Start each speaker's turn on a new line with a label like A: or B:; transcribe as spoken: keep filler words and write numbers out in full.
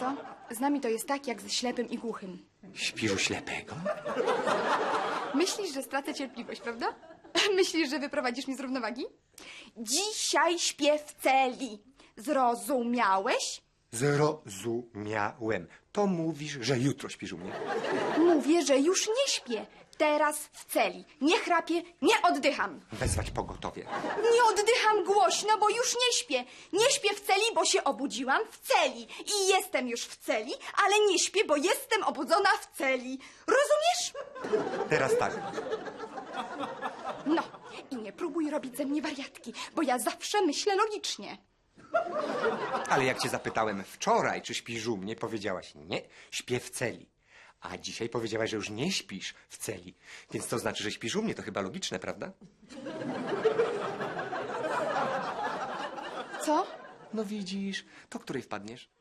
A: co? Z nami to jest tak, jak ze ślepym i głuchym.
B: Śpisz u ślepego?
A: Myślisz, że stracę cierpliwość, prawda? Myślisz, że wyprowadzisz mnie z równowagi? Dzisiaj śpię w celi. Zrozumiałeś?
B: Zrozumiałem. To mówisz, że jutro śpisz u mnie.
A: Mówię, że już nie śpię. Teraz w celi. Nie chrapię, nie oddycham.
B: Wezwać pogotowie.
A: Nie oddycham głośno, bo już nie śpię. Nie śpię w celi, bo się obudziłam w celi. I jestem już w celi, ale nie śpię, bo jestem obudzona w celi. Rozumiesz?
B: Teraz tak.
A: No, i nie próbuj robić ze mnie wariatki, bo ja zawsze myślę logicznie.
B: Ale jak cię zapytałem wczoraj, czy śpisz u mnie, powiedziałaś nie, śpię w celi. A dzisiaj powiedziałaś, że już nie śpisz w celi. Więc to znaczy, że śpisz u mnie. To chyba logiczne, prawda?
A: Co?
B: No widzisz, to której wpadniesz?